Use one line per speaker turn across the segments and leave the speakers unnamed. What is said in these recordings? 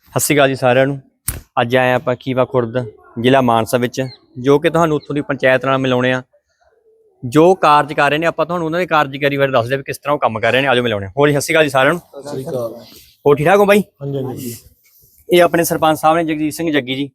ਸਤਿ ਸ਼੍ਰੀ ਅਕਾਲ ਜੀ ਸਾਰਿਆਂ ਨੂੰ। ਅੱਜ ਆਏ ਆਪਾਂ ਖੀਵਾ ਖੁਰਦ ਜ਼ਿਲ੍ਹਾ ਮਾਨਸਾ ਵਿੱਚ, ਜੋ ਕਿ ਤੁਹਾਨੂੰ ਉੱਥੋਂ ਦੀ ਪੰਚਾਇਤ ਨਾਲ ਮਿਲਾਉਣੇ ਆ ਜੋ ਕਾਰਜ ਕਰ ਰਹੇ ਨੇ। ਆਪਾਂ ਤੁਹਾਨੂੰ ਉਹਨਾਂ ਦੀ ਕਾਰਜਕਾਰੀ ਬਾਰੇ ਦੱਸਦੇ ਵੀ ਕਿਸ ਤਰ੍ਹਾਂ ਉਹ ਕੰਮ ਕਰ ਰਹੇ ਨੇ। ਆਜੋ ਮਿਲਾਉਣੇ। ਹੋਰ ਸਤਿ ਸ਼੍ਰੀ ਅਕਾਲ ਜੀ ਸਾਰਿਆਂ ਨੂੰ।
ਸਤਿ ਸ਼੍ਰੀ ਅਕਾਲ।
ਹੋਰ ਠੀਕ ਠਾਕ ਹੋ ਬਾਈ?
ਹਾਂਜੀ ਹਾਂਜੀ।
ਇਹ ਆਪਣੇ ਸਰਪੰਚ ਸਾਹਿਬ ਨੇ ਜਗਜੀਤ ਸਿੰਘ ਜੱਗੀ ਜੀ।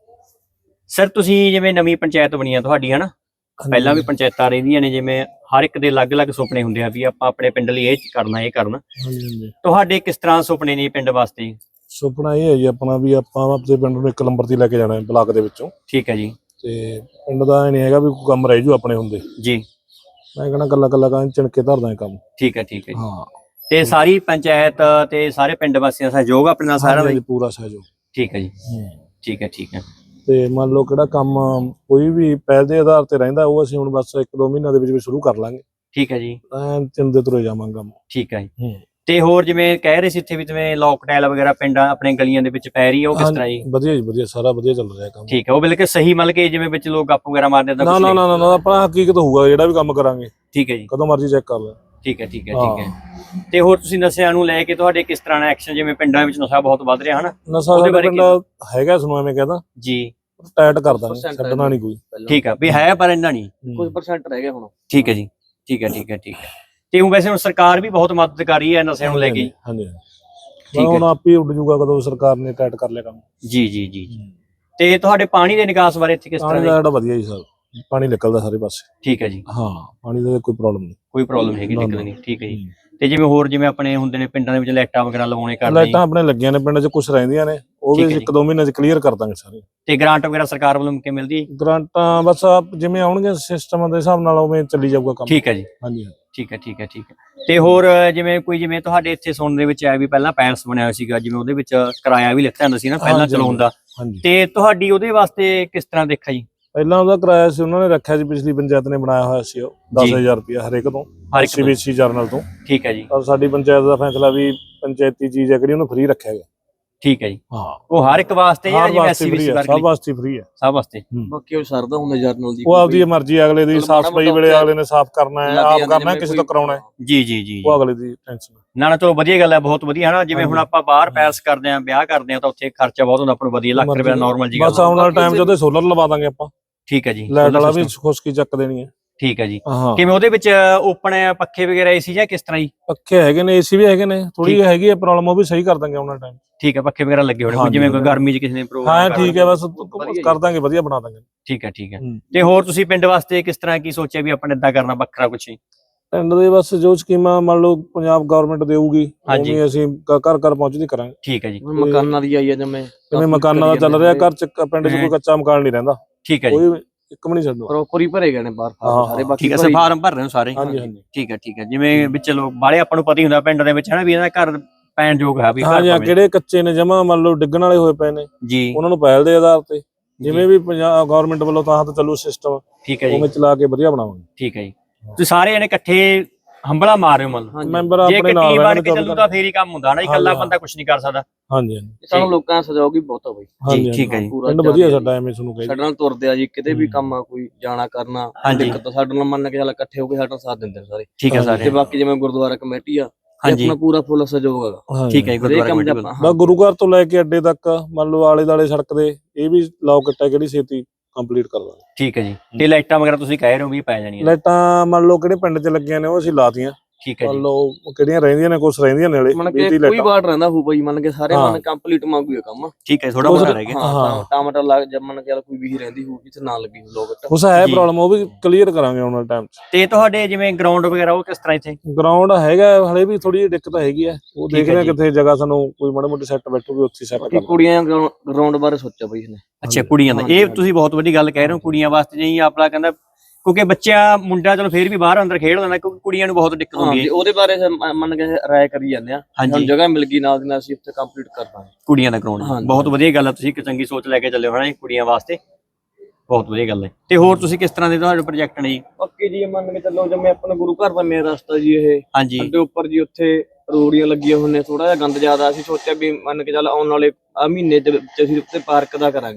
ਸਰ ਤੁਸੀਂ ਜਿਵੇਂ ਨਵੀਂ ਪੰਚਾਇਤ ਬਣੀ ਆ ਤੁਹਾਡੀ, ਹਨਾ, ਪਹਿਲਾਂ ਵੀ ਪੰਚਾਇਤਾਂ ਰਹਿੰਦੀਆਂ ਨੇ, ਜਿਵੇਂ ਹਰ ਇੱਕ ਦੇ ਅਲੱਗ-ਅਲੱਗ ਸੁਪਨੇ ਹੁੰਦੇ ਆ ਵੀ ਆਪਾਂ ਆਪਣੇ ਪਿੰਡ ਲਈ ਇਹ ਕਰਨਾ ਇਹ ਕਰਨਾ।
ਹਾਂਜੀ ਹਾਂਜੀ।
ਤੁਹਾਡੇ ਕਿਸ ਤਰ੍ਹਾਂ ਸੁਪਨੇ ਨੇ ਪਿੰਡ ਵਾਸਤੇ?
ਸੁਪਨਾ ਇਹ ਹੈ ਜੀ ਆਪਣਾ ਵੀ ਆਪਾਂ ਆਪਣੇ ਪਿੰਡ ਨੂੰ 1 ਨੰਬਰ ਤੇ ਲੈ ਕੇ ਜਾਣਾ ਹੈ ਬਲਾਕ ਦੇ ਵਿੱਚੋਂ।
ਠੀਕ ਹੈ ਜੀ।
ਤੇ ਪਿੰਡ ਦਾ ਇਹ ਨਹੀਂ ਹੈਗਾ ਵੀ ਕੋਈ ਕੰਮ ਰਹਿ ਜੂ ਆਪਣੇ ਹੁੰਦੇ
ਜੀ।
ਮੈਂ ਕਹਿੰਦਾ ਕੱਲਾ ਕਾਂ ਚਿਣਕੇ ਧਰਦਾ ਕੰਮ।
ਠੀਕ ਹੈ ਠੀਕ ਹੈ।
ਹਾਂ।
ਤੇ ਸਾਰੀ ਪੰਚਾਇਤ ਤੇ ਸਾਰੇ ਪਿੰਡ ਵਾਸੀਆਂ ਦਾ ਸਹਿਯੋਗ ਆਪਣੇ ਨਾਲ ਸਾਰਾ ਦਾ?
ਪੂਰਾ ਸਹਿਯੋਗ।
ਠੀਕ ਹੈ ਜੀ। ਠੀਕ ਹੈ ਠੀਕ ਹੈ।
ਤੇ ਮੰਨ ਲਓ ਕਿਹੜਾ ਕੰਮ ਕੋਈ ਵੀ ਪਹਿਲ ਦੇ ਆਧਾਰ ਤੇ ਰਹਿੰਦਾ ਉਹ ਅਸੀਂ ਹੁਣ ਬਸ 1-2 ਮਹੀਨਿਆਂ ਦੇ ਵਿੱਚ ਸ਼ੁਰੂ ਕਰ ਲਾਂਗੇ।
ਠੀਕ ਹੈ ਜੀ।
ਚਿੰਦੇ ਤੁਰੇ ਜਾਵਾਂਗੇ ਕੰਮ।
ਠੀਕ ਹੈ ਜੀ। ਤੇ ਹੋਰ ਜਿਵੇਂ ਕਹਿ ਰਹੇ ਸੀ ਇੱਥੇ ਵੀ ਜਿਵੇਂ ਲੋਕ ਟਾਇਲ ਵਗੈਰਾ ਪਿੰਡਾਂ ਆਪਣੇ ਗਲੀਆਂ ਦੇ ਵਿੱਚ ਪੈ ਰਹੀ ਹੈ, ਉਹ ਕਿਸ ਤਰ੍ਹਾਂ ਜੀ?
ਵਧੀਆ ਜੀ ਵਧੀਆ, ਸਾਰਾ ਵਧੀਆ ਚੱਲ ਰਿਹਾ ਕੰਮ।
ਠੀਕ ਹੈ। ਉਹ ਬਿਲਕੁਲ ਸਹੀ, ਮਤਲਬ ਕਿ ਜਿਵੇਂ ਵਿੱਚ ਲੋਕ ਗੱਪ ਵਗੈਰਾ ਮਾਰਦੇ ਤਾਂ
ਨਾ ਨਾ ਨਾ, ਆਪਣਾ ਹਕੀਕਤ ਹੋਊਗਾ ਜਿਹੜਾ ਵੀ ਕੰਮ ਕਰਾਂਗੇ।
ਠੀਕ ਹੈ ਜੀ।
ਕਦੋਂ ਮਰਜ਼ੀ ਚੈੱਕ ਕਰ ਲੈ।
ਠੀਕ ਹੈ ਠੀਕ ਹੈ ਠੀਕ ਹੈ। ਤੇ ਹੋਰ ਤੁਸੀਂ ਨਸ਼ਿਆਂ ਨੂੰ ਲੈ ਕੇ ਤੁਹਾਡੇ ਕਿਸ ਤਰ੍ਹਾਂ ਦਾ ਐਕਸ਼ਨ? ਜਿਵੇਂ ਪਿੰਡਾਂ ਵਿੱਚ ਨਸ਼ਾ ਬਹੁਤ ਵੱਧ ਰਿਹਾ, ਹਨਾ,
ਨਸ਼ਾ ਸਾਡੇ ਪਿੰਡ ਹੈਗਾ, ਸੁਣੋ ਐਵੇਂ ਕਹਿੰਦਾ
ਜੀ,
ਟਾਈਟ ਕਰ ਦਾਂਗੇ, ਛੱਡਣਾ ਨਹੀਂ ਕੋਈ।
ਠੀਕ ਹੈ ਵੀ ਹੈ, ਪਰ ਇੰਨਾ ਨਹੀਂ,
ਕੁਝ ਪਰਸੈਂਟ ਰਹਿ ਗਿਆ ਹੁਣ।
ਠੀਕ ਹੈ ਜੀ। ਠੀਕ ਹੈ ਠੀਕ ਹੈ ਠੀਕ ਹੈ। ਤੇ ਉਹ ਵੈਸੇ ਹੁਣ ਸਰਕਾਰ ਵੀ ਬਹੁਤ ਮਦਦ ਕਰ ਰਹੀ ਹੈ ਨਸ਼ਿਆਂ ਨੂੰ ਲੈ ਕੇ।
ਹਾਂਜੀ ਹਾਂਜੀ। ਹੁਣ ਆਪ ਹੀ ਉੱਡ ਜੂਗਾ ਕਦੋਂ ਸਰਕਾਰ ਨੇ ਟਾਈਟ ਕਰ ਲਿਆ ਕੰਮ।
ਜੀ ਜੀ ਜੀ। ਤੇ ਤੁਹਾਡੇ ਪਾਣੀ ਦੇ ਨਿਕਾਸ ਬਾਰੇ ਇੱਥੇ ਕਿਸ ਤਰ੍ਹਾਂ?
ਪਾਣੀ ਦਾ ਜਿਹੜਾ ਵਧੀਆ ਜੀ ਸਰ, ਪਾਣੀ ਨਿਕਲਦਾ ਸਾਰੇ ਪਾਸੇ।
ਠੀਕ ਹੈ ਜੀ।
ਹਾਂ, ਪਾਣੀ ਦਾ ਕੋਈ ਪ੍ਰੋਬਲਮ ਨਹੀਂ।
ਕੋਈ ਪ੍ਰੋਬਲਮ ਹੈਗੀ ਨਿਕਲਣ ਦੀ? ਠੀਕ ਹੈ ਜੀ। ਤੇ ਜਿਵੇਂ ਹੋਰ ਜਿਵੇਂ ਆਪਣੇ ਹੁੰਦੇ ਨੇ ਪਿੰਡਾਂ ਦੇ ਵਿੱਚ ਲਾਈਟਾਂ ਵਗੈਰਾ ਲਵਾਉਣੇ ਕਰਦੇ?
ਲਾਈਟਾਂ ਆਪਣੇ ਲੱਗੀਆਂ ਨੇ ਪਿੰਡ 'ਚ, ਕੁਝ ਰਹਿੰਦੀਆਂ ਨੇ, ਉਹ ਵੀ 1-2 ਮਹੀਨਿਆਂ 'ਚ ਕਲੀਅਰ ਕਰ ਦਾਂਗੇ ਸਾਰੇ।
ਤੇ ਗ੍ਰਾਂਟ ਵਗੈਰਾ ਸਰਕਾਰ ਵੱਲੋਂ ਕਿਵੇਂ ਮਿਲਦੀ ਹੈ?
ਗ੍ਰਾਂਟਾਂ ਬਸ ਜਿਵੇਂ ਆਉਣਗੇ ਸਿਸਟਮ ਦੇ ਹਿਸਾਬ ਨਾਲ ਉਵੇਂ ਚੱਲੀ ਜਾਊਗਾ ਕੰਮ।
ਠੀਕ ਹੈ ਜੀ।
ਹਾਂਜੀ।
ਠੀਕ ਹੈ ਠੀਕ ਹੈ ਠੀਕ ਹੈ। ਤੇ ਹੋਰ ਜਿਵੇਂ ਕੋਈ, ਜਿਵੇਂ ਤੁਹਾਡੇ ਇੱਥੇ ਸੁਣਨ ਦੇ ਵਿੱਚ ਆਇਆ ਵੀ ਪਹਿਲਾਂ ਪੈਲਸ ਬਣਿਆ ਹੋਇਆ ਸੀਗਾ, ਜਿਵੇਂ ਉਹਦੇ ਵਿੱਚ ਕਿਰਾਇਆ ਵੀ ਲਿਖਿਆ ਹੁੰਦਾ ਸੀ ਨਾ ਪਹਿਲਾਂ ਚਲਾਉਣ ਦਾ, ਤੇ ਤੁਹਾਡੀ ਉਹਦੇ ਵਾਸਤੇ ਕਿਸ ਤਰ੍ਹਾਂ ਦੇਖਿਆ ਜੀ?
ਪਹਿਲਾਂ ਉਹਦਾ ਕਿਰਾਇਆ ਸੀ ਉਹਨਾਂ ਨੇ ਰੱਖਿਆ ਸੀ, ਪਿਛਲੀ ਪੰਚਾਇਤ ਨੇ ਬਣਾਇਆ ਹੋਇਆ ਸੀ, ਉਹ 10,000 ਰੁਪਇਆ ਹਰੇਕ ਤੋਂ, ਸੀਬੀਸੀ ਜਰਨਲ ਤੋਂ।
ਠੀਕ ਹੈ ਜੀ।
ਪਰ ਸਾਡੀ ਪੰਚਾਇਤ ਦਾ ਫੈਸਲਾ ਵੀ ਪੰਚਾਇਤੀ ਚੀਜ਼ ਹੈ ਜਿਹੜੀ ਉਹਨੂੰ ਫ੍ਰੀ ਰੱਖਿਆ ਗਿਆ।
ਠੀਕ ਹੈ ਜੀ।
ਹਾਂ,
ਉਹ ਹਰ ਇੱਕ ਵਾਸਤੇ ਜਾਂ ਜਿਵੇਂ ਐਸਸੀਬੀਸੀ
ਸਭ ਵਾਸਤੇ ਫ੍ਰੀ ਹੈ?
ਸਭ ਵਾਸਤੇ।
ਬਾਕੀ ਉਹ ਸਰਦਾ ਹੁੰਦਾ ਜਰਨਲ ਦੀ, ਉਹ ਆਪਦੀ ਮਰਜ਼ੀ, ਅਗਲੇ ਦੀ ਸਾਫ ਸਫਾਈ ਵੇਲੇ ਅਗਲੇ ਨੇ ਸਾਫ ਕਰਨਾ ਹੈ, ਆਪ ਕਰਨਾ, ਕਿਸੇ ਤੋਂ ਕਰਾਉਣਾ ਹੈ।
ਜੀ ਜੀ ਜੀ।
ਉਹ ਅਗਲੇ ਦੀ ਟੈਨਸ਼ਨ
ਨਾ ਨਾ, ਚਲੋ ਵਧੀਆ ਗੱਲ ਹੈ, ਬਹੁਤ ਵਧੀਆ, ਹਨਾ। ਜਿਵੇਂ ਹੁਣ ਆਪਾਂ ਬਾਹਰ ਪੈਲਸ ਕਰਦੇ ਆਂ, ਵਿਆਹ ਕਰਦੇ ਆਂ, ਤਾਂ ਉੱਥੇ ਖਰਚਾ ਬਹੁਤ ਹੁੰਦਾ ਆਪਾਂ ਨੂੰ, ਵਧੀਆ, ਲੱਖ ਰੁਪਏ ਨਾਰਮਲ ਜੀ।
ਬਸ ਆਉਣ ਵਾਲਾ ਟਾਈਮ 'ਚ ਉਹਦੇ ਸੋਲਰ ਲਵਾ ਦਾਂਗੇ ਆਪਾਂ।
ਠੀਕ ਹੈ ਜੀ।
ਲਾਈਟ ਵਾਲਾ ਵੀ ਖੁਸ਼ਕੀ ਚੱਕ ਦੇਣੀ ਹੈ।
ਠੀਕ ਹੈ ਜੀ। ਕਿਵੇਂ ਉਹਦੇ ਵਿੱਚ ਓਪਨ ਪੱਖੇ ਵਗੈਰਾ ਏਸੀ ਜਾਂ ਕਿਸ ਤਰ੍ਹਾਂ ਜੀ?
ਪੱਖੇ ਹੈਗੇ ਨੇ, ਏਸੀ ਵੀ ਹੈਗੇ ਨੇ, ਥੋੜੀ ਹੈਗੀ ਹੈ ਪ੍ਰੋਬਲਮ, ਉਹ ਵੀ ਸਹੀ ਕਰ ਦਾਂਗੇ ਆਉਣ ਵਾਲੇ ਟਾਈਮ।
ਠੀਕ ਹੈ। ਪੱਖੇ ਵਗੈਰਾ ਲੱਗੇ ਹੋਣੇ, ਜਿਵੇਂ ਕੋਈ ਗਰਮੀ 'ਚ ਕਿਸੇ ਨੇ ਪ੍ਰੋਗਰਾਮ?
ਹਾਂ ਠੀਕ ਹੈ, ਬਸ ਕਰ ਦਾਂਗੇ, ਵਧੀਆ ਬਣਾ ਦਾਂਗੇ।
ਠੀਕ ਹੈ ਠੀਕ ਹੈ। ਤੇ ਹੋਰ ਤੁਸੀਂ ਪਿੰਡ ਵਾਸਤੇ ਕਿਸ ਤਰ੍ਹਾਂ ਕੀ ਸੋਚਿਆ ਵੀ ਆਪਾਂ ਨੇ ਇਦਾਂ ਕਰਨਾ ਵੱਖਰਾ ਕੁਛ?
ਪਿੰਡ ਦੇ ਬਸ ਜੋ ਸਕੀਮਾਂ ਮੰਨ ਲਓ ਪੰਜਾਬ ਗਵਰਨਮੈਂਟ ਦੇਊਗੀ, ਉਵੇਂ ਅਸੀਂ ਘਰ ਘਰ ਪਹੁੰਚਦੀ ਕਰਾਂਗੇ।
ਠੀਕ ਹੈ ਜੀ।
ਮਕਾਨਾਂ ਦੀ ਆਈ ਹੈ
ਜਿਵੇਂ ਮਕਾਨਾਂ ਦਾ ਚੱਲ ਰਿਹਾ, ਘਰ 'ਚ ਪਿੰਡ 'ਚ ਕੋਈ ਕੱਚਾ ਮਕਾਨ ਨਹੀਂ ਰਹਿੰਦਾ।
ਠੀਕ ਹੈ ਜੀ।
ਕੋਈ ਇੱਕ ਵੀ ਨਹੀਂ ਛੱਡੋ,
ਪ੍ਰੋਪਰ ਹੀ ਭਰੇ ਗਏ ਨੇ ਬਾਹਰ ਸਾਰੇ। ਬਾਕੀ
ਠੀਕ ਹੈ, ਫਾਰਮ ਭਰ ਰਹੇ ਹੋ ਸਾਰੇ?
ਹਾਂਜੀ ਹਾਂਜੀ।
ਠੀਕ ਹੈ ਠੀਕ ਹੈ। ਜਿਵੇਂ ਵਿੱਚ ਲੋਕ ਬਾਹਲੇ ਆਪਾਂ ਨੂੰ ਪਤਾ ਹੀ ਹੁੰਦਾ ਪਿੰਡ ਦੇ ਵਿੱਚ, ਹਨਾ, ਵੀ ਇਹਨਾਂ ਦਾ ਘਰ ਪੈਣ ਯੋਗ ਹੈ ਵੀ?
ਹਾਂਜੀ, ਕਿਹੜੇ ਕੱਚੇ ਨੇ ਜਮਾ ਮੰਨ ਲਓ ਡਿੱਗਣ ਵਾਲੇ ਹੋਏ ਪਏ ਨੇ
ਜੀ,
ਉਹਨਾਂ ਨੂੰ ਪਹਿਲ ਦੇ ਆਧਾਰ ਤੇ, ਜਿਵੇਂ ਵੀ ਪੰਜਾਬ ਗਵਰਨਮੈਂਟ ਵੱਲੋਂ ਤਾਂ ਚੱਲੂ ਸਿਸਟਮ,
ਠੀਕ ਹੈ ਜੀ,
ਉਵੇਂ ਚਲਾ ਕੇ ਵਧੀਆ ਬਣਾਵਾਂਗੇ।
ਠੀਕ ਹੈ ਜੀ। ਤੁਸੀਂ ਸਾਰੇ ਜਣੇ ਇਕੱਠੇ ਹੰਬਲਾ ਮਾਰ ਰਹੇ ਹੋ, ਮੰਨ
ਮੈਂਬਰ ਆਪਣੇ ਨਾਲ
ਬਣ ਕੇ ਚੱਲੂ ਤਾਂ ਫੇਰ ਹੀ ਕੰਮ ਹੁੰਦਾ, ਨਾ ਇਕੱਲਾ ਬੰਦਾ ਕੁਝ ਨਹੀਂ ਕਰ ਸਕਦਾ।
ਹਾਂਜੀ ਹਾਂਜੀ।
ਸਾਨੂੰ ਲੋਕਾਂ ਦਾ ਸਹਿਯੋਗ ਹੀ ਬਹੁਤ ਆ ਬਾਈ
ਜੀ। ਠੀਕ ਹੈ ਜੀ।
ਪਿੰਡ ਵਧੀਆ ਸਾਡਾ, ਐਵੇਂ ਤੁਹਾਨੂੰ ਕਹੇ
ਸਾਡੇ ਨਾਲ ਤੁਰਦੇ ਆ ਜੀ, ਕਿਤੇ ਵੀ ਕੰਮ ਆ, ਕੋਈ ਜਾਣਾ ਕਰਨਾ ਦਿੱਕਤ ਸਾਡੇ ਨਾਲ ਮੰਨ ਕੇ ਚੱਲ ਇਕੱਠੇ ਹੋ ਕੇ ਸਾਡਾ ਸਾਥ ਦਿੰਦੇ ਨੇ ਸਾਰੇ।
ਠੀਕ ਹੈ ਸਾਰੇ।
ਤੇ ਬਾਕੀ ਜਿਵੇਂ ਗੁਰਦੁਆਰਾ ਕਮੇਟੀ ਆ, ਆਪਣਾ ਪੂਰਾ ਫੁੱਲ ਸਹਿਯੋਗ ਹੈਗਾ।
ਠੀਕ ਹੈ। ਗੁਰਦੁਆਰਾ ਕਮੇਟੀ
ਬਸ ਗੁਰੂ ਘਰ ਤੋਂ ਲੈ ਕੇ ਅੱਡੇ ਤੱਕ ਮੰਨ ਲਓ ਆਲੇ ਦਾਲੇ ਸੜਕ ਦੇ ਇਹ ਵੀ ਲੌਕ ਕੱਟਿਆ, ਕਿਹੜੀ ਛੇਤੀ ਕੰਪਲੀਟ ਕਰ ਦਾਂਗੇ।
ਠੀਕ ਹੈ ਜੀ। ਤੇ ਲਾਈਟਾਂ ਵਗੈਰਾ ਤੁਸੀਂ ਕਹਿ ਰਹੇ ਹੋ ਵੀ ਪੈ ਜਾਣੀਆਂ?
ਲਾਈਟਾਂ ਮੰਨ ਲਓ ਕਿਹੜੇ ਪਿੰਡ 'ਚ ਲੱਗੀਆਂ ਨੇ ਉਹ ਅਸੀਂ ਲਾਤੀਆਂ।
ਠੀਕ ਹੈ ਜੀ।
ਮੰਨ ਲਓ ਕਿਹੜੀਆਂ ਰਹਿੰਦੀਆਂ ਨੇ, ਕੁਛ ਰਹਿੰਦੀਆਂ ਨੇ ਹਲੇ,
ਕੋਈ ਵਾਰਡ ਰਹਿੰਦਾ ਹੋਊ ਬਾਈ, ਮੰਨ ਕੇ ਸਾਰੇ ਮੰਨ ਕੰਪਲੀਟ ਮੰਗੂ ਕੰਮ।
ਠੀਕ ਹੈ, ਥੋੜਾ ਬਹੁਤ ਰਹਿ ਗਿਆ।
ਹਾਂ, ਟਮਾਟਰ ਲੱਗ ਜੰਮਣ ਕੇ ਕੋਈ ਵੀ ਰਹਿੰਦੀ ਹੋਊ ਜਿੱਥੇ ਨਾ ਲੱਗੀ ਲੋਕ
ਉਸ ਹੈ ਪ੍ਰੋਬਲਮ, ਉਹ ਵੀ ਕਲੀਅਰ ਕਰਾਂਗੇ ਆਉਣ ਵਾਲੇ ਟਾਈਮ 'ਚ।
ਤੇ ਤੁਹਾਡੇ ਜਿਵੇਂ ਗਰਾਊਂਡ ਵਗੈਰਾ ਉਹ ਕਿਸ ਤਰ੍ਹਾਂ? ਇੱਥੇ
ਗਰਾਊਂਡ ਹੈਗਾ, ਹਲੇ ਵੀ ਥੋੜੀ ਜਿਹੀ ਦਿੱਕਤ ਹੈਗੀ ਹੈ, ਉਹ ਦੇਖਦੇ ਆ ਕਿੱਥੇ ਜਗ੍ਹਾ ਸਾਨੂੰ ਕੋਈ ਮਾੜੀ ਮੋਟੀ ਸੈੱਟ ਬੈਠੂਗੀ, ਉੱਥੇ ਸੈੱਟ ਕਰ।
ਕੁੜੀਆਂ ਗਰਾਊਂਡ ਬਾਰੇ ਸੋਚਿਆ ਬਾਈ ਇਹਨੇ।
ਅੱਛਾ, ਕੁੜੀਆਂ ਦਾ ਇਹ ਤੁਸੀਂ ਬਹੁਤ ਵੱਡੀ ਗੱਲ ਕਹਿ ਰਹੇ ਹੋ, ਕੁੜੀਆਂ ਵਾਸਤੇ ਜੀ ਆਪਣਾ ਕਹਿੰਦਾ, ਕਿਉਂਕਿ ਬੱਚਾ ਮੁੰਡਾ ਚਲੋ ਫੇਰ ਵੀ ਬਾਹਰ ਅੰਦਰ ਖੇਡ ਲੈਂਦਾ, ਕਿਉਂਕਿ ਕੁੜੀਆਂ ਨੂੰ ਬਹੁਤ ਦਿੱਕਤ ਹੁੰਦੀ ਹੈ।
ਉਹਦੇ ਬਾਰੇ ਮੰਨ ਕੇ ਰਾਏ ਕਰੀ ਜਾਂਦੇ ਆ, ਹੁਣ ਜਗ੍ਹਾ ਮਿਲ ਗਈ ਨਾਲ ਦੀ ਨਾਲ ਅਸੀਂ ਉੱਥੇ ਕੰਪਲੀਟ ਕਰ ਦਾਂਗੇ
ਕੁੜੀਆਂ ਦਾ ਗਰਾਊਂਡ। ਬਹੁਤ ਵਧੀਆ ਗੱਲ ਹੈ, ਤੁਸੀਂ ਇੱਕ ਚੰਗੀ ਸੋਚ ਲੈ ਕੇ ਚੱਲੇ ਹੋ ਨਾ ਕੁੜੀਆਂ ਵਾਸਤੇ, ਬਹੁਤ ਵਧੀਆ ਗੱਲ ਹੈ। ਤੇ ਹੋਰ ਤੁਸੀਂ ਕਿਸ ਤਰ੍ਹਾਂ ਦੇ ਤੁਹਾਡੇ ਪ੍ਰੋਜੈਕਟ ਨੇ ਜੀ?
ਬਾਕੀ ਜੀ ਮੰਨ ਕੇ ਚੱਲੋ ਜਿਵੇਂ ਆਪਣਾ ਗੁਰੂ ਘਰ ਦਾ ਮੇਨ ਰਸਤਾ ਜੀ ਇਹ,
ਹਾਂਜੀ,
ਅੱਡੇ ਉੱਪਰ ਜੀ ਉੱਥੇ ਰੋੜੀਆਂ ਲੱਗੀਆਂ ਹੋਈਆਂ ਨੇ, ਥੋੜਾ ਜਿਹਾ ਗੰਦ ਜ਼ਿਆਦਾ, ਅਸੀਂ ਸੋਚਿਆ ਵੀ ਮੰਨ ਕੇ ਚੱਲ ਆਉਣ ਵਾਲੇ ਮਹੀਨੇ ਦੇ ਵਿੱਚ ਅਸੀਂ ਉੱਤੇ ਪਾਰਕ ਦਾ ਕਰਾਂਗੇ।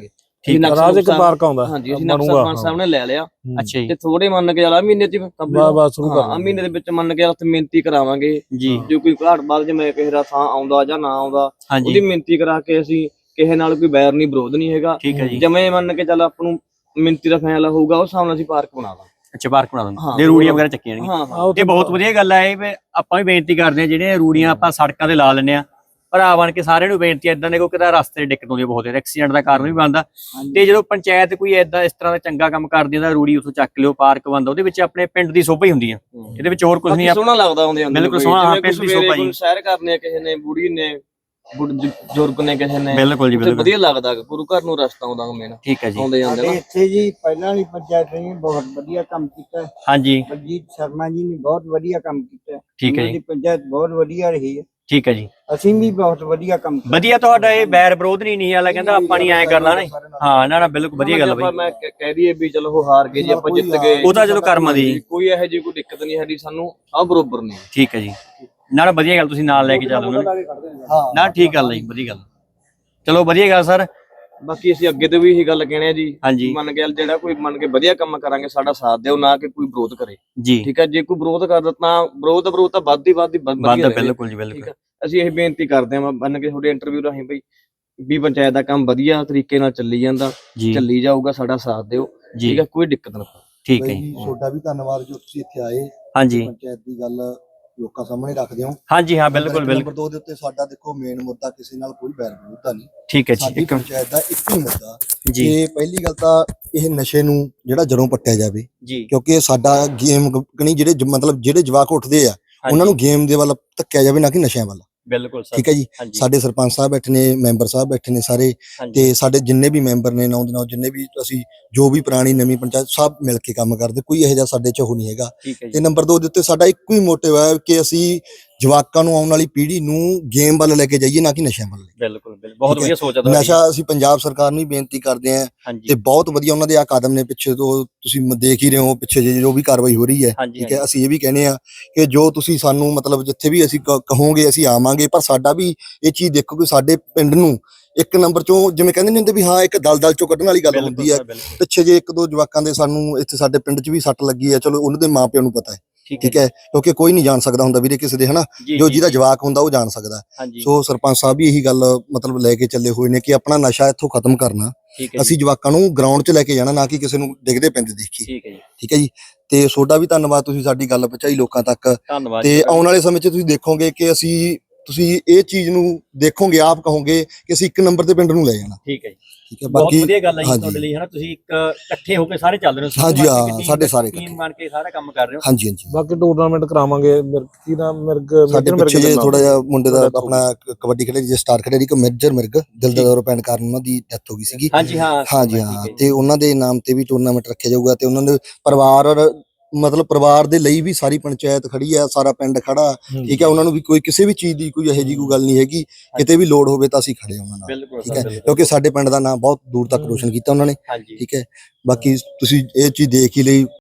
ਠੀਕ ਹੈ।
ਰਾਜ ਇੱਕ ਪਾਰਕ ਆਉਂਦਾ
ਹਾਂਜੀ ਅਸੀਂ ਨਕਸ਼ਾ ਸਰਪੰਚ ਸਾਹਿਬ ਨੇ ਲੈ ਲਿਆ
ਅੱਛਾ ਜੀ
ਤੇ ਥੋੜੇ ਮੰਨ ਕੇ ਚੱਲ ਮਹੀਨੇ ਚ
ਬਸ ਸ਼ੁਰੂ ਕਰ
ਮਹੀਨੇ ਦੇ ਵਿੱਚ ਮੰਨ ਕੇ ਉੱਥੇ ਮਿਹਨਤੀ ਕਰਾਵਾਂਗੇ
ਜੀ।
ਜੇ ਕੋਈ ਘਾਟ ਬਾਅਦ ਜਿਵੇਂ ਕਿਸੇ ਦਾ ਥਾਂ ਆਉਂਦਾ ਜਾਂ ਨਾ ਆਉਂਦਾ
ਹਾਂਜੀ
ਉਹਦੀ ਮਿਹਨਤੀ ਕਰਾ ਕੇ ਅਸੀਂ ਕਿਸੇ ਨਾਲ ਕੋਈ ਬੈਰ ਨਹੀਂ ਵਿਰੋਧ ਨਹੀਂ ਹੈਗਾ।
ਠੀਕ ਹੈ ਜੀ।
ਜਿਵੇਂ ਮੰਨ ਕੇ ਚੱਲ ਆਪਾਂ ਨੂੰ ਮਿਹਨਤੀ ਦਾ ਫੈਸਲਾ ਹੋਊਗਾ ਉਸ ਹਿਸਾਬ ਨਾਲ ਅਸੀਂ ਪਾਰਕ ਬਣਾ ਦਾਂਗੇ।
ਅੱਛਾ ਪਾਰਕ ਬਣਾ ਦਿੰਦੇ
ਹਾਂ,
ਤੇ ਰੂੜੀਆਂ ਵਗੈਰਾ ਚੱਕੀਆਂ ਨੇ।
ਹਾਂ ਹਾਂ
ਇਹ ਬਹੁਤ ਵਧੀਆ ਗੱਲ ਹੈ। ਇਹ ਵੀ ਆਪਾਂ ਵੀ ਬੇਨਤੀ ਕਰਦੇ ਹਾਂ, ਜਿਹੜੀਆਂ ਰੂੜੀਆਂ ਆਪਾਂ ਸੜਕਾਂ ਤੇ ਲਾ ਲੈਂਦੇ ਆ, ਭਰਾ ਬਣ ਕੇ ਸਾਰਿਆਂ ਨੂੰ ਬੇਨਤੀ ਇਦਾਂ ਦੇ ਕੋਈ ਕਿਤੇ ਰਸਤੇ 'ਚ ਦਿੱਕਤ ਆਉਂਦੀ ਬਹੁਤ, ਐਕਸੀਡੈਂਟ ਦਾ ਕਾਰਨ ਵੀ ਬਣਦਾ। ਤੇ ਜਦੋਂ ਪੰਚਾਇਤ ਕੋਈ ਏਦਾਂ ਇਸ ਤਰ੍ਹਾਂ ਦਾ ਚੰਗਾ ਕੰਮ ਕਰਦੀ ਹੈ ਤਾਂ ਰੂੜੀ ਉੱਥੋਂ ਚੱਕ ਲਿਓ, ਪਾਰਕ ਬਣਦਾ, ਉਹਦੇ ਵਿੱਚ ਆਪਣੇ ਪਿੰਡ ਦੀ ਸ਼ੋਭਾ ਹੀ ਹੁੰਦੀ ਆ, ਇਹਦੇ ਵਿੱਚ ਹੋਰ ਕੁਝ ਨਹੀਂ।
ਸੋਹਣਾ ਲੱਗਦਾ ਆਉਂਦੇ ਜਾਂਦੇ
ਬਿਲਕੁਲ ਸੋਹਣਾ, ਪਿੰਡ ਦੀ ਸ਼ੋਭਾ ਜੀ।
ਸੈਰ ਕਰਨੇ ਆ ਕਿਸੇ ਨੇ, ਬੁੜੀ ਨੇ, ਬਜ਼ੁਰਗ ਨੇ ਕਿਸੇ ਨੇ,
ਬਿਲਕੁਲ ਜੀ ਬਿਲਕੁਲ
ਵਧੀਆ ਲੱਗਦਾ ਗੁਰੂ ਘਰ ਨੂੰ ਰਸਤਾ ਆਉਂਦਾ ਮੇਨ
ਠੀਕ ਹੈ ਜੀ।
ਆਉਂਦੇ ਜਾਂਦੇ ਨਾ।
ਇੱਥੇ ਜੀ ਪਹਿਲਾਂ ਵਾਲੀ ਪੰਚਾਇਤ ਨੇ ਬਹੁਤ ਵਧੀਆ ਕੰਮ ਕੀਤਾ ਹੈ।
ਹਾਂਜੀ
ਬਲਜੀਤ ਸ਼ਰਮਾ ਜੀ ਨੇ ਬਹੁਤ ਵਧੀਆ ਕੰਮ ਕੀਤਾ ਹੈ।
ਠੀਕ ਹੈ
ਉਹਨਾਂ
ਜੀ।
ਦੀ ਪੰਚਾਇਤ ਬਹੁਤ ਵਧੀਆ ਰਹੀ ਹੈ।
ਠੀਕ ਹੈ ਜੀ,
ਅਸੀਂ ਵੀ ਬਹੁਤ ਵਧੀਆ ਕੰਮ ਕੀਤਾ।
ਵਧੀਆ ਤੁਹਾਡਾ ਇਹ ਬੈਰ ਵਿਰੋਧ ਨਹੀਂ ਵਾਲਾ ਕਹਿੰਦਾ ਆਪਾਂ ਨਹੀਂ ਐਂ ਕਰਨਾ ਨਾ। ਹਾਂ ਨਾ ਬਿਲਕੁਲ ਵਧੀਆ ਗੱਲ ਬਈ।
ਮੈਂ ਕਹਿ ਦਈਏ ਵੀ ਚਲੋ ਉਹ ਹਾਰ ਗਏ ਜੀ, ਆਪਾਂ ਜਿੱਤ ਗਏ,
ਉਹ ਤਾਂ ਚਲੋ ਕਰਮਾਂ ਦੀ,
ਕੋਈ ਇਹੋ ਜਿਹੀ ਕੋਈ ਦਿੱਕਤ ਨਹੀਂ ਸਾਡੀ, ਸਾਨੂੰ ਸਭ ਬਰੋਬਰ ਨੇ।
ਠੀਕ ਹੈ ਜੀ, ਨਾ ਵਧੀਆ ਗੱਲ, ਤੁਸੀਂ ਨਾਲ ਲੈ ਕੇ ਚੱਲੋਗੇ ਨਾ, ਠੀਕ ਗੱਲ ਹੈ ਜੀ, ਵਧੀਆ ਗੱਲ। ਚਲੋ ਵਧੀਆ ਗੱਲ ਸਰ।
ਬਾਕੀ ਅਸੀਂ ਅੱਗੇ ਤੋਂ ਵੀ ਇਹੀ ਗੱਲ ਕਹਿਣੇ ਆ ਜੀ,
ਹਾਂਜੀ
ਮੰਨ ਕੇ ਜਿਹੜਾ ਕੋਈ ਮੰਨ ਕੇ ਵਧੀਆ ਕੰਮ ਕਰਾਂਗੇ ਸਾਡਾ ਸਾਥ ਦਿਓ, ਨਾ ਕਿ ਕੋਈ ਵਿਰੋਧ ਕਰੇ।
ਜੀ
ਠੀਕ ਹੈ, ਜੇ ਕੋਈ ਵਿਰੋਧ ਕਰਦਾ ਤਾਂ ਵਿਰੋਧ ਤਾਂ ਵੱਧਦੀ
ਵਾਦਾ, ਬਿਲਕੁਲ ਜੀ ਬਿਲਕੁਲ।
ਅਸੀਂ ਇਹ ਬੇਨਤੀ ਕਰਦੇ ਹਾਂ ਮੰਨ ਕੇ ਤੁਹਾਡੇ ਇੰਟਰਵਿਊ ਰਾਹੀਂ ਬਈ ਵੀ ਪੰਚਾਇਤ ਦਾ ਕੰਮ ਵਧੀਆ ਤਰੀਕੇ ਨਾਲ ਚੱਲੀ ਜਾਂਦਾ,
ਜੀ
ਚੱਲੀ ਜਾਊਗਾ, ਸਾਡਾ ਸਾਥ ਦਿਓ।
ਜੀ
ਠੀਕ ਹੈ, ਕੋਈ ਦਿੱਕਤ ਨਾ ਪਾਓ।
ਠੀਕ ਹੈ ਜੀ।
ਤੁਹਾਡਾ ਵੀ ਧੰਨਵਾਦ ਜੋ ਤੁਸੀਂ ਇੱਥੇ ਆਏ,
ਹਾਂਜੀ
ਪੰਚਾਇਤ ਦੀ ਗੱਲ ਲੋਕਾਂ ਸਾਹਮਣੇ ਰੱਖਦੇ ਹੋ।
ਹਾਂਜੀ ਹਾਂ ਬਿਲਕੁਲ
ਨੰਬਰ
ਬਿਲਕੁਲ
2 ਦੇ ਉੱਤੇ ਸਾਡਾ ਦੇਖੋ ਮੇਨ ਮੁੱਦਾ ਕਿਸੇ ਨਾਲ ਕੋਈ ਬੈਰ ਵਿਰੋਧਤਾ ਨਹੀਂ,
ਠੀਕ ਹੈ ਜੀ।
ਸਾਡੀ ਪੰਚਾਇਤ ਦਾ ਇੱਕ ਹੀ ਮੁੱਦਾ
ਜੀ
ਕਿ ਪਹਿਲੀ ਗੱਲ ਤਾਂ ਇਹ ਨਸ਼ੇ ਨੂੰ ਜਿਹੜਾ ਜੜੋਂ ਪੱਟਿਆ ਜਾਵੇ,
ਜੀ
ਕਿਉਂਕਿ ਸਾਡਾ ਗੇਮ ਕਣੀ ਜਿਹੜੇ ਮਤਲਬ ਜਿਹੜੇ ਜਵਾਕ ਉੱਠਦੇ ਆ ਉਹਨਾਂ ਨੂੰ ਗੇਮ ਦੇ ਵੱਲ ਧੱਕਿਆ ਜਾਵੇ, ਨਾ ਕਿ ਨਸ਼ਿਆਂ ਵੱਲ।
ਬਿਲਕੁਲ ਸਰ।
ਠੀਕ ਹੈ ਜੀ।
ਹਾਂਜੀ
ਸਾਡੇ ਸਰਪੰਚ ਸਾਹਿਬ ਬੈਠੇ ਨੇ, ਮੈਂਬਰ ਸਾਹਿਬ ਬੈਠੇ ਨੇ ਸਾਰੇ,
ਹਾਂਜੀ
ਤੇ ਸਾਡੇ ਜਿੰਨੇ ਵੀ ਮੈਂਬਰ ਨੇ ਨੌ ਦੇ ਨੌ, ਜਿੰਨੇ ਵੀ ਅਸੀਂ ਜੋ ਵੀ ਪੁਰਾਣੀ ਨਵੀਂ ਪੰਚਾਇਤ ਸਭ ਮਿਲ ਕੇ ਕੰਮ ਕਰਦੇ, ਕੋਈ ਇਹੋ ਜਿਹਾ ਸਾਡੇ ਚ ਉਹ ਨਹੀਂ ਹੈਗਾ।
ਠੀਕ ਹੈ
ਤੇ
ਜੀ।
ਨੰਬਰ 2 ਦੇ ਉੱਤੇ ਸਾਡਾ ਇੱਕੋ ਹੀ ਮੋਟਿਵ ਹੈ ਕਿ ਅਸੀਂ ਜਵਾਕਾਂ ਨੂੰ, ਆਉਣ ਵਾਲੀ ਪੀੜ੍ਹੀ ਨੂੰ ਗੇਮ ਵੱਲ ਲੈ ਕੇ ਜਾਈਏ, ਨਾ ਕਿ ਨਸ਼ਿਆਂ ਵੱਲ।
ਬਿਲਕੁਲ ਬਿਲਕੁਲ, ਬਹੁਤ
ਠੀਕ ਹੈ।
ਵਧੀਆ ਸੋਚ ਆ ਤੁਹਾਡੀ।
ਨਸ਼ਾ ਅਸੀਂ ਪੰਜਾਬ ਸਰਕਾਰ ਨੂੰ ਹੀ ਬੇਨਤੀ ਕਰਦੇ ਹਾਂ,
ਹਾਂਜੀ
ਤੇ ਬਹੁਤ ਵਧੀਆ ਉਹਨਾਂ ਦੇ ਆ ਕਦਮ ਨੇ, ਪਿੱਛੇ ਤੋਂ ਤੁਸੀਂ ਦੇਖ ਹੀ ਰਹੇ ਹੋ, ਪਿੱਛੇ ਜੋ ਵੀ ਕਾਰਵਾਈ ਹੋ ਰਹੀ ਹੈ।
ਹਾਂਜੀ
ਠੀਕ ਹੈ, ਅਸੀਂ ਇਹ ਵੀ ਕਹਿੰਦੇ ਆ ਕਿ ਜੋ ਤੁਸੀਂ ਸਾਨੂੰ ਮਤਲਬ ਜਿੱਥੇ ਵੀ ਅਸੀਂ ਕਹੋਗੇ ਅਸੀਂ ਆਵਾਂਗੇ, ਪਰ ਸਾਡਾ ਵੀ ਇਹ ਚੀਜ਼ ਦੇਖੋ ਕਿ ਸਾਡੇ ਪਿੰਡ ਨੂੰ ਇੱਕ ਨੰਬਰ ਚੋਂ, ਜਿਵੇਂ ਕਹਿੰਦੇ ਨਹੀਂ ਹੁੰਦੇ ਵੀ ਹਾਂ ਇੱਕ ਦਲਦਲ ਚੋਂ ਕੱਢਣ ਵਾਲੀ ਗੱਲ ਹੁੰਦੀ ਹੈ।
ਬਿਲਕੁਲ
ਪਿੱਛੇ ਜੇ ਇੱਕ ਦੋ ਜਵਾਕਾਂ ਦੇ ਸਾਨੂੰ ਇੱਥੇ ਸਾਡੇ ਪਿੰਡ 'ਚ ਵੀ ਸੱਟ ਲੱਗੀ ਹੈ, ਚਲੋ ਉਹਨਾਂ ਦੇ ਮਾਪਿਆਂ ਨੂੰ ਪਤਾ ਹੈ। ਠੀਕ ਹੈ, ਕਿਉਂਕਿ ਕੋਈ ਨਹੀਂ ਜਾਣ ਸਕਦਾ ਹੁੰਦਾ ਵੀਰੇ ਕਿਸੇ ਦੇ, ਹਨਾ, ਜੋ ਜਿਹਦਾ ਜਵਾਕ ਹੁੰਦਾ ਉਹ ਜਾਣ ਸਕਦਾ।
ਹਾਂਜੀ
ਸੋ ਸਰਪੰਚ ਸਾਹਿਬ ਵੀ ਇਹੀ ਗੱਲ ਮਤਲਬ ਲੈ ਕੇ ਚੱਲੇ ਹੋਏ ਨੇ ਕਿ ਆਪਣਾ ਨਸ਼ਾ ਇੱਥੋਂ ਖਤਮ ਕਰਨਾ,
ਠੀਕ ਹੈ
ਅਸੀਂ ਜਵਾਕਾਂ ਨੂੰ ਗਰਾਊਂਡ 'ਚ ਲੈ ਕੇ ਜਾਣਾ, ਨਾ ਕਿ ਕਿਸੇ ਨੂੰ ਡਿੱਗਦੇ ਪੈਂਦੇ ਦੇਖੀਏ।
ਠੀਕ ਹੈ ਜੀ।
ਠੀਕ ਹੈ ਜੀ। ਤੇ ਤੁਹਾਡਾ ਵੀ ਧੰਨਵਾਦ, ਤੁਸੀਂ ਸਾਡੀ ਗੱਲ ਪਹੁੰਚਾਈ ਲੋਕਾਂ ਤੱਕ।
ਧੰਨਵਾਦ
ਤੇ
ਜੀ।
ਆਉਣ ਵਾਲੇ ਸਮੇਂ 'ਚ ਤੁਸੀਂ ਦੇਖੋਗੇ ਕਿ ਤੁਸੀਂ ਇਹ ਚੀਜ਼ ਨੂੰ ਦੇਖੋਗੇ, ਆਪ ਕਹੋਗੇ ਕਿ ਅਸੀਂ ਇੱਕ ਨੰਬਰ ਤੇ ਪਿੰਡ ਨੂੰ ਲੈ ਜਾਣਾ।
ਠੀਕ ਹੈ ਜੀ।
ਠੀਕ ਹੈ,
ਬਹੁਤ
ਬਾਕੀ
ਵਧੀਆ ਗੱਲ ਹੈ ਜੀ
ਹਾਂਜੀ।
ਤੁਹਾਡੇ ਲਈ, ਹਨਾ, ਤੁਸੀਂ ਇੱਕ ਇਕੱਠੇ ਹੋ ਕੇ ਸਾਰੇ ਚੱਲ ਰਹੇ ਹੋ।
ਹਾਂਜੀ, ਹਾਂ, ਸਾਡੇ ਸਾਰੇ
ਟੀਮ ਬਣ ਕੇ ਸਾਰਾ ਕੰਮ ਕਰ ਰਹੇ ਹੋ।
ਹਾਂਜੀ ਹਾਂਜੀ।
ਬਾਕੀ ਟੂਰਨਾਮੈਂਟ ਕਰਾਵਾਂਗੇ। ਕੀ ਨਾਮ ਮਿਰਗ
ਸਾਡੇ ਪਿੱਛੇ ਜੇ ਥੋੜਾ ਜਿਹਾ ਮੁੰਡੇ ਦਾ ਆਪਣਾ ਕਬੱਡੀ ਖੇਡੇ ਜੇ ਸਟਾਰ ਖੇਡੇ ਇੱਕ ਮੇਜਰ ਮਿਰਗ, ਦਿਲ ਦਾ ਦੌਰਾ ਪੈਣ ਕਾਰਨ ਉਹਨਾਂ ਦੀ ਡੈਥ ਹੋ ਗਈ ਸੀਗੀ।
ਹਾਂਜੀ ਹਾਂ
ਹਾਂਜੀ ਹਾਂ, ਤੇ ਉਹਨਾਂ ਦੇ ਨਾਮ ਤੇ ਵੀ ਟੂਰਨਾਮੈਂਟ ਰੱਖਿਆ ਜਾਊਗਾ, ਤੇ ਉਹਨਾਂ ਦੇ ਪਰਿਵਾਰ ਦੇ ਲਈ ਵੀ ਸਾਰੀ ਪੰਚਾਇਤ ਖੜੀ ਆ, ਸਾਰਾ ਪਿੰਡ ਖੜਾ। ਠੀਕ ਹੈ, ਉਹਨਾਂ ਨੂੰ ਵੀ ਕੋਈ ਕਿਸੇ ਵੀ ਚੀਜ਼ ਦੀ ਕੋਈ ਇਹੋ ਜਿਹੀ ਕੋਈ ਗੱਲ ਨਹੀਂ ਹੈਗੀ, ਕਿਤੇ ਵੀ ਲੋੜ ਹੋਵੇ ਤਾਂ ਅਸੀਂ ਖੜੇ ਉਹਨਾਂ ਨਾਲ।
ਬਿਲਕੁਲ
ਠੀਕ ਹੈ, ਕਿਉਂਕਿ ਸਾਡੇ ਪਿੰਡ ਦਾ ਨਾਮ ਬਹੁਤ ਦੂਰ ਤੱਕ ਰੋਸ਼ਨ ਕੀਤਾ ਉਹਨਾਂ ਨੇ।
ਹਾਂਜੀ
ਠੀਕ ਹੈ, ਬਾਕੀ ਤੁਸੀਂ ਇਹ ਚੀਜ਼ ਦੇਖ ਹੀ ਲਈ।